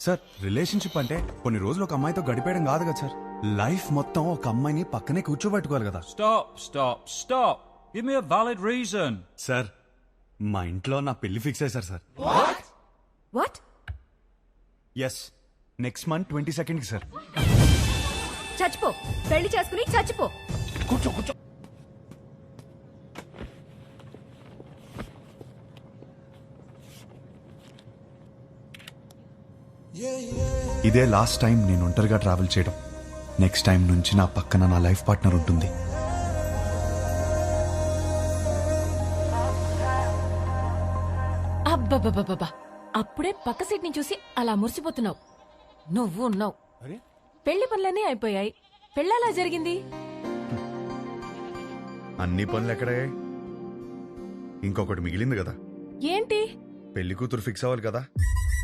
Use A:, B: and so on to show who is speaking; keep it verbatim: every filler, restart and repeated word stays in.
A: Sir relationship అంటే కొన్ని రోజులు ఒక అమ్మాయితో గడిపేయడం కాదు కదా సార్, లైఫ్ మొత్తం ఒక అమ్మాయిని పక్కనే కూర్చోబెట్టుకోవాలి కదా.
B: Stop, stop, stop. Give me a valid reason.
A: Sir మా ఇంట్లో నా పెళ్లి ఫిక్స్ అయ్యారు sir.
C: What?
A: Yes, next month twenty second కి సార్.
C: చచ్చిపో, పెళ్లి చేసుకుని చచ్చిపో.
A: కూర్చో కూర్చో. ఇదే లాస్ట్ టైం నేను ఒంటరిగా ట్రావెల్ చేయడం. నెక్స్ట్ టైం నుంచి నా పక్కన నా లైఫ్ పార్ట్నర్ ఉంటుంది.
D: అబ్బబ్బబ్బబ్బా, అప్పుడే పక్క సీట్ ని చూసి అలా మురిసిపోతున్నావు. నువ్వు ఉన్నావు. పెళ్లి పనులన్నీ అయిపోయాయి, పెళ్ళలా జరిగింది.
E: అన్ని పనులు ఎక్కడే? ఇంకొకటి మిగిలింది కదా.
D: ఏంటి?
E: పెళ్లి కూతురు ఫిక్స్ అవ్వాలి కదా.